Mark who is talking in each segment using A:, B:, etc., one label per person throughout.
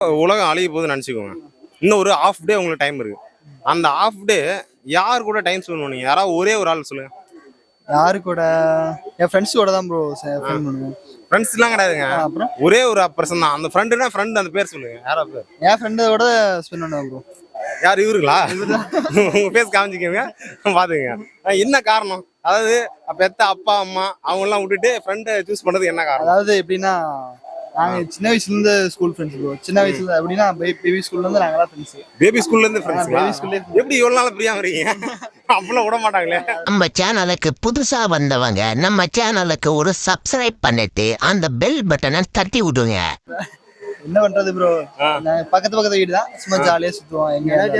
A: உலகம் அழிய போகுதுன்னு நினச்சிக்கோங்க. இன்னும் ஒரு ஹாஃப் டே உங்களுக்கு டைம் இருக்கு. அந்த ஹாஃப் டே யார் கூட டைம் ஸ்பெண்ட் பண்ணுவீங்க? யாராவது ஒரே ஒரு ஆள் சொல்லுங்க.
B: யாரு கூட? என் ஃப்ரெண்ட்ஸ் கூட தான் ப்ரோ ஸ்பெண்ட் பண்ணுவேன்.
A: ஃப்ரெண்ட்ஸ்லாம் கிடையாதுங்க.
B: அப்புறம்
A: ஒரே ஒரு பர்சன் தான். அந்த ஃப்ரெண்டுனா ஃப்ரெண்ட், அந்த பேர் சொல்லுங்க. யாரா பேர்?
B: என் ஃப்ரெண்டோட ஸ்பெண்ட் பண்ணுவேன் ப்ரோ.
A: யார்? இவருங்களா? உங்க பேஸ் காமிச்சிக்கோங்க, பாத்துக்கங்க. என்ன காரணம்? அதாவது பெத்த அப்பா அம்மா அவங்கெல்லாம் விட்டுட்டு ஃப்ரெண்டை சூஸ் பண்றது என்ன காரணம்?
B: அதாவது எப்படின்னா, நாங்க சின்ன வயசுல இருந்து ஸ்கூல் ஃப்ரெண்ட்ஸ் ப்ரோ. சின்ன வயசுல எப்படின்னா பேபி ஸ்கூல்ல இருந்து நாங்கலாம் ஃப்ரெண்ட்ஸ்.
A: பேபி ஸ்கூல்ல இருந்து ஃப்ரெண்ட்ஸ்.
B: பேபி ஸ்கூல்ல
A: எப்படி இவ்வளவு நாள் பிரியாம இருக்கீங்க? அப்பெல்லாம் விட மாட்டாங்களே.
C: நம்ம சேனலுக்கு புதுசா வந்தவங்க நம்ம சேனலுக்கு ஒரு சப்ஸ்கிரைப் பண்ணிட்டு அந்த பெல் பட்டனை தட்டி விடுங்க.
B: என்ன பண்றது ப்ரோ, பக்கத்து வீடு தான், சும்மா ஜாலியா சுத்துவோம்.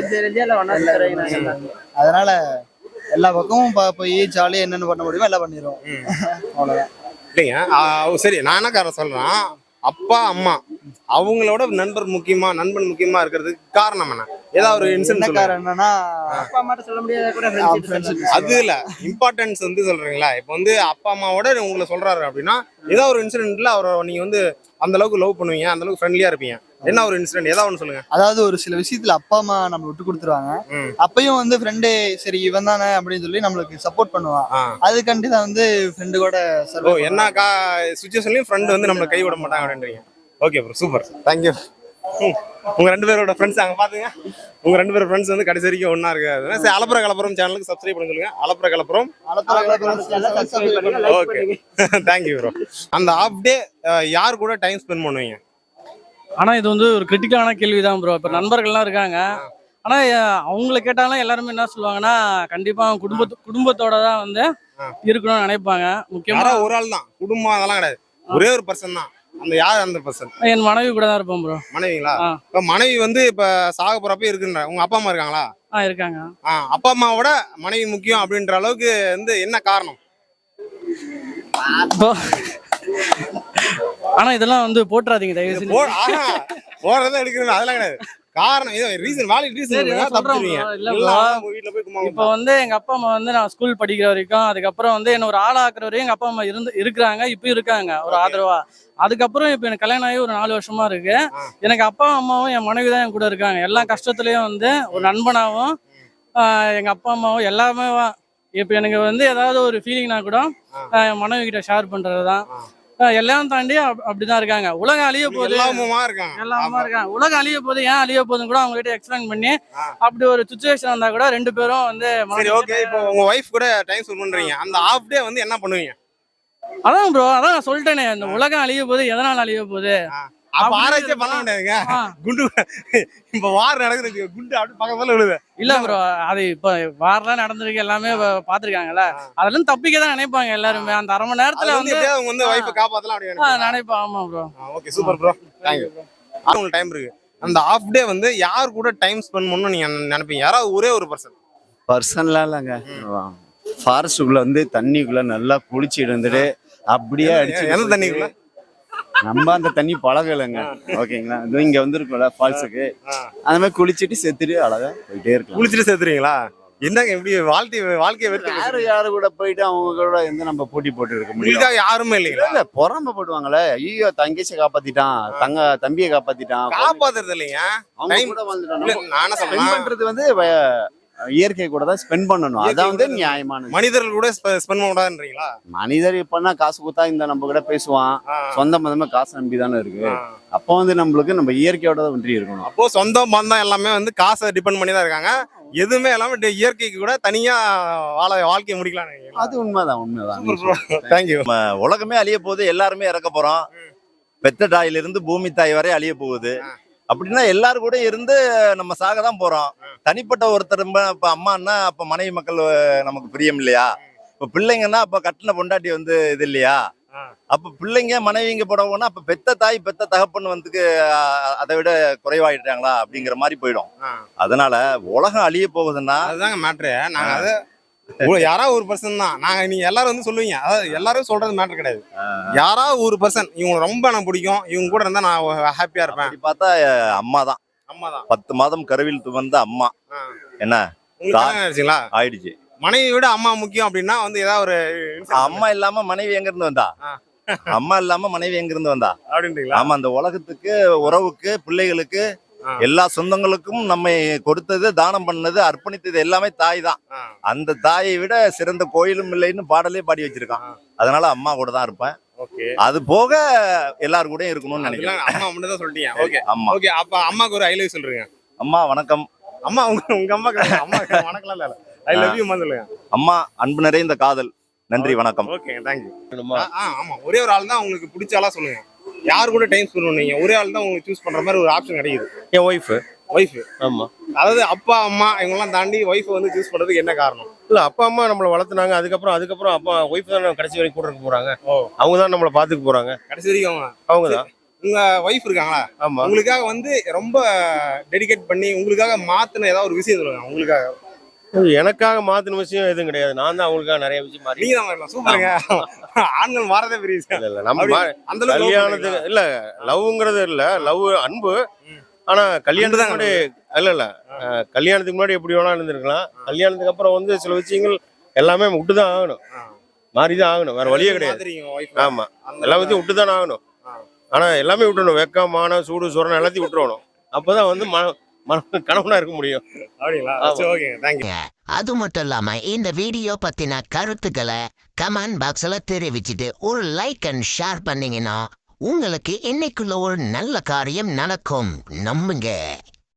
B: அதனால எல்லா பக்கமும் போய் ஜாலியா என்னென்ன பண்ண முடியுமோ எல்லாம் பண்ணிடுவோம். அவ்வளவுதான்.
A: இல்லைங்க, சரி, நான் என்ன காரணம் சொல்றேன், அப்பா அம்மா அவங்களோட நண்பன் முக்கியமா இருக்கிறதுக்கு காரணம் என்ன? ஏதாவது ஒரு இன்சிடென்ட்
B: காரணம்னா
D: அப்பா அம்மாட்ட சொல்ல முடியாது.
A: அது இல்ல, இம்பார்ட்டன்ஸ் வந்து சொல்றீங்களா? இப்போ வந்து அப்பா அம்மாவோட உங்களை சொல்றாரு அப்படின்னா ஏதாவது ஒரு இன்சிடென்ட்ல அவரை நீங்க வந்து அந்த அளவுக்கு லவ் பண்ணுவீங்க, அந்த அளவுக்கு ஃப்ரெண்ட்லியா இருப்பீங்க. என்ன ஒரு இன்சிடென்ட் ஏதாவது ஒன்று சொல்லுங்க.
B: அதாவது ஒரு சில விஷயத்துல அப்பா அம்மா நம்ம விட்டு கொடுத்துருவாங்க. அப்பயும் வந்து ஃப்ரெண்டு சரி இவன் தானே அப்படின்னு சொல்லி நம்மளுக்கு சப்போர்ட் பண்ணுவான். அதுக்காண்டி தான் வந்து ஃப்ரெண்டு கூட
A: என்ன சுச்சுவேஷன்லயும் ஃப்ரெண்ட் வந்து நம்மளை கை விட மாட்டாங்க அப்படின்றீங்க. Okay bro, super, thank you. உங்க ரெண்டு பேரோட ஃப்ரெண்ட்ஸ் அங்க பாத்துங்க. உங்க ரெண்டு பேரும் ஃப்ரெண்ட்ஸ் வந்து கடைசி வரைக்கும் ஒன்னா இருக்காது. சரி, அலப்புற கலப்புறம் சேனலுக்கு சப்ஸ்கிரைப் பண்ண சொல்லுங்க. அலப்புற கலப்புறம். Okay, thank you bro. அந்த ஹாஃப் டே யார் கூட டைம் ஸ்பெண்ட் பண்ணுவீங்க?
E: ஆனா இது வந்து ஒரு கிரிட்டிக்கலான கேள்விதான் ப்ரோ. இப்ப நண்பர்கள்லாம் இருக்காங்க. ஆனா அவங்கள கேட்டாலும் எல்லாருமே என்ன சொல்லுவாங்கன்னா, கண்டிப்பா குடும்பத்தோட தான் வந்து இருக்கணும்னு நினைப்பாங்க. முக்கியமா
A: ஒரு ஆள் தான் குடும்பம், அதெல்லாம் கிடையாது. ஒரே ஒரு பர்சன் தான். அந்த யார் அந்த பர்சன்?
E: என் மனைவி கூட தான் இருப்போம் ப்ரோ.
A: மனைவிங்களா? இப்ப மனைவி வந்து இப்ப சாக போறப்ப இருக்குன்ற உங்க அப்பா அம்மா இருக்காங்களா?
E: இருக்காங்க.
A: அப்பா அம்மாவோட மனைவி முக்கியம் அப்படின்ற அளவுக்கு வந்து என்ன காரணம்?
E: ஆனா இதெல்லாம் வந்து போட்டுறாதீங்க தயவு செஞ்சு.
A: போறதா எடுக்கணும் அதெல்லாம் கிடையாது. காரணம் வேலிட் ரீசன்.
E: இப்ப வந்து எங்க அப்பா அம்மா வந்து நான் ஸ்கூல் படிக்கிற வரைக்கும், அதுக்கப்புறம் வந்து என்ன ஒரு ஆளாக்குற வரையும் எங்க அப்பா அம்மா இருக்கிறாங்க. இப்பயும் இருக்காங்க ஒரு ஆதரவா. அதுக்கப்புறம் இப்ப எனக்கு கல்யாணம் ஆகி ஒரு 4 வருஷமா இருக்கு. எனக்கு அப்பா அம்மாவும் என் மனைவி தான் என் கூட இருக்காங்க. எல்லா கஷ்டத்துலயும் வந்து ஒரு நண்பனாவும் எங்க அப்பா அம்மாவும் எல்லாமே. இப்ப எனக்கு வந்து ஏதாவது ஒரு ஃபீலிங்னா கூட என் மனைவி கிட்ட ஷேர் பண்றதுதான். எல்லாம் தாண்டி அப்படிதான் இருக்காங்க. உலகம் அழிய போகுது, எல்லாமா இருக்காங்க. உலகம் அழிய போகுது, ஏன் அழிய போகுதுன்னு கூட அவங்க கிட்ட எக்ஸ்பிளைன் பண்ணி அப்படி ஒரு சிச்சுவேஷன் வந்தா கூட ரெண்டு பேரும் வந்து
A: இப்போ உங்க வைஃப் கூட டைம் ஸ்பெண்ட் பண்றீங்க. அந்த ஹாஃப் டே வந்து என்ன பண்ணுவீங்க?
E: அதான் ப்ரோ, அதான் நான் சொல்லிட்டேனே, இந்த உலகம் அழிய போகுது, எதனால அழிய போகுது
A: ஆராய்ச்சியே பண்ண முடியாதுங்க. குண்டு இப்ப வார் நடக்குது, குண்டு அப்படி பக்கத்துல விழுது.
E: இல்ல ப்ரோ, அது இப்ப வாரெல்லாம் நடந்திருக்கு, எல்லாமே பாத்துருக்காங்கல்ல. அதெல்லாம் தப்பிக்க தான் நினைப்பாங்க எல்லாருமே. அந்த அரை மணி நேரத்துல
A: வந்து வைஃபை காப்பாத்தலாம் அப்படி
E: நினைப்பாங்க. ஆமா bro.
A: Okay, super bro, thank you. உங்களுக்கு டைம் இருக்கு. அந்த ஹாஃப் டே வந்து யார் கூட டைம் ஸ்பெண்ட் பண்ணணும்னு நீங்க நினைப்பீங்க? யாராவது ஒரே ஒரு
F: பர்சன்லாம் இல்லைங்க. ஃபாரஸ்ட்டுக்குள்ள வந்து தண்ணிக்குள்ள நல்லா குளிச்சு இருந்துட்டு அப்படியே அடிச்சு.
A: எந்த தண்ணிக்குள்ள?
F: நம்ம அந்த தண்ணி பழகலைங்க. ஓகேங்களா, இங்க வந்துருக்கோம்ல ஃபால்ஸுக்கு, அந்த மாதிரி குளிச்சுட்டு செத்துட்டு அழகா போயிட்டே இருக்கலாம்.
A: குளிச்சுட்டு செத்துறீங்களா? என்னங்க இப்படி வாழ்க்கையை
F: யாரு கூட போயிட்டு அவங்க கூட எந்த நம்ம போட்டி போட்டு இருக்க முடியும்?
A: யாருமே இல்லைங்களா?
F: இல்ல, பொறாம போடுவாங்களே. ஐயோ, தங்கச்சியை காப்பாத்திட்டான், தம்பியை காப்பாத்திட்டான்.
A: காப்பாத்துறது இல்லைங்க,
F: அவங்க கூட வந்துட்டு வந்து இயற்கை கூட தான் ஸ்பெண்ட் பண்ணணும். அதான் வந்து நியாயமான.
A: மனிதர்கள் கூட ஸ்பெண்ட் பண்ணக்கூடாதுன்றீங்களா?
F: மனிதர் இப்பன்னா காசு கொடுத்தா இந்த நம்ம கூட பேசுவான். சொந்த பந்தமா காசு நம்பி தானே இருக்கு. அப்போ வந்து நம்மளுக்கு நம்ம இயற்கையோட தான் ஒன்றி இருக்கணும்.
A: அப்போ சொந்த பந்தம் எல்லாமே வந்து காசை டிபெண்ட் பண்ணி தான் இருக்காங்க. எதுவுமே எல்லாமே இயற்கைக்கு கூட தனியா வாழ்க்கையை முடிக்கலாம்.
F: அது உண்மைதான்.
A: தேங்க்யூ.
G: உலகமே அழிய போகுது, எல்லாருமே இறக்க போறோம். பெத்த தாயிலிருந்து பூமி தாய் வரை அழிய போகுது. அப்படின்னா எல்லாரும் கூட இருந்து நம்ம சாக தான் போறோம். தனிப்பட்ட ஒருத்தர் இப்ப அம்மான்னா அப்ப மனைவி மக்கள் நமக்கு பிரியம் இல்லையா? இப்ப பிள்ளைங்கன்னா அப்ப கட்டின பொண்டாட்டி வந்து இது இல்லையா? அப்ப பிள்ளைங்க மனைவிங்க போடவோன்னா அப்ப பெத்த தாய் பெத்த தகப்பன் வந்து அதை விட குறைவாயிட்டாங்களா அப்படிங்கிற மாதிரி போயிடும். அதனால உலகம் அழிய போகுதுன்னா
A: அதுதாங்க மேட்ரு. நாங்க அதை யாராவது ஒரு பர்சன் தான் நீங்க எல்லாரும் வந்து சொல்லுவீங்க. அதாவது எல்லாரும் சொல்றது மேட்டர் கிடையாது. யாராவது ஒரு பர்சன் இவங்க ரொம்ப எனக்கு பிடிக்கும், இவங்க கூட இருந்தா நான் ஹாப்பியா இருப்பேன்.
G: பார்த்தா அம்மா தான். 10 மாதம் கருவில் துவந்த அம்மா. என்ன ஆயிடுச்சு.
A: மனைவி விட அம்மா முக்கியம் அப்படின்னா வந்து ஏதாவது ஒரு
G: அம்மா இல்லாம மனைவி எங்க இருந்து வந்தா? அம்மா இல்லாம மனைவி எங்க இருந்து வந்தா?
A: அப்படின்றீங்களா?
G: ஆமா, அந்த உலகத்துக்கு, உறவுக்கு, பிள்ளைகளுக்கு, எல்லா சொந்தங்களுக்கும் நம்மை கொடுத்தது, தானம் பண்ணது, அர்ப்பணித்தது எல்லாமே தாய் தான். அந்த தாயை விட சிறந்த கோயிலும் இல்லைன்னு பாடலே பாடி வச்சிருக்கான். அதனால அம்மா கூட தான் இருப்பேன்.
A: ஓகே.
G: அது போக எல்லாரும் கூட இருக்கணும்னு நினைக்கிறேன்.
A: அம்மா மட்டும் தான் சொல்லிட்டீங்க. ஓகே.
G: அம்மா.
A: ஓகே, அப்ப அம்மாக்கு ஒரு ஐ லவ் சொல்றீங்க.
G: அம்மா வணக்கம்.
A: அம்மா உங்க அம்மா அம்மா வணக்கம் இல்ல. ஐ லவ் யூ சொல்லுங்க.
G: அம்மா அன்பு நிறைந்த காதல். நன்றி, வணக்கம்.
A: Okay, thank you. ஆமா, ஒரே ஒரு ஆள் தான் உங்களுக்கு பிடிச்ச ஆளா சொல்லுங்க. யார் கூட டைம் ஸ்பெண்ட் பண்ணுவீங்க? ஒரே ஆள் தான் உங்களுக்கு சூஸ் பண்ற மாதிரி ஒரு ஆப்ஷன் கிடைக்குது.
H: என் ஒய்ஃபு. ஆமா.
A: அதாவது அப்பா அம்மா இவங்கெல்லாம் தாண்டி ஒய்ஃப் வந்து சூஸ் பண்றதுக்கு என்ன காரணம்?
H: இல்ல, அப்பா அம்மா நம்மளை வளர்த்துனாங்க. அதுக்கப்புறம் அப்பா ஒய்ஃப் தான் கடைசி வரைக்கும் கூட இருக்க போறாங்க. அவங்க தான் நம்மளை பாத்துக்க போறாங்க
A: கடைசி வரைக்கும்.
H: அவங்க தான்.
A: உங்க ஒய்ஃப் இருக்காங்களா?
H: ஆமா.
A: உங்களுக்காக வந்து ரொம்ப டெடிகேட் பண்ணி உங்களுக்காக மாத்தின ஏதாவது ஒரு விஷயம் சொல்லுங்க. உங்களுக்காக
H: எனக்காக மாத்தின விஷயம் எதுவும் கிடையாது. நான் தான் அவங்களுக்காக நிறைய விஷயம் மாறி.
A: நீங்க தான் மாறலாம். சூப்பருங்க. ஆண்கள் மாறதே பெரிய விஷயம்.
H: இல்ல நம்ம
A: அந்த அளவுக்கு
H: கல்யாணத்துக்கு இல்ல, லவ்ங்கிறது இல்ல, லவ் அன்பு. ஆனா கல்யாணத்துக்கு முன்னாடி இல்ல கல்யாணத்துக்கு முன்னாடி எப்படி வேணாலும் இருந்திருக்கலாம். கல்யாணத்துக்கு அப்புறம் வந்து சில விஷயங்கள் எல்லாமே விட்டுதான் ஆகணும், மாறிதான் ஆகணும், வேற வழியே கிடையாது. ஆமா, எல்லா விஷயம் விட்டுதான் ஆகணும். ஆனா எல்லாமே விட்டுணும். வெக்கம், மானம், சூடு, சொரணம் எல்லாத்தையும் விட்டுறணும். அப்பதான் வந்து கணவனா இருக்க முடியும்.
A: அப்படிங்களா? Okay, thank you.
C: அது மட்டும் இல்லாம இந்த வீடியோ பத்தின கருத்துக்களை கமெண்ட் பாக்ஸ்ல தெரிவிச்சுட்டு ஒரு லைக் அண்ட் ஷேர் பண்ணீங்கன்னா உங்களுக்கு இன்னைக்குள்ள ஒரு நல்ல காரியம் நடக்கும். நம்புங்க.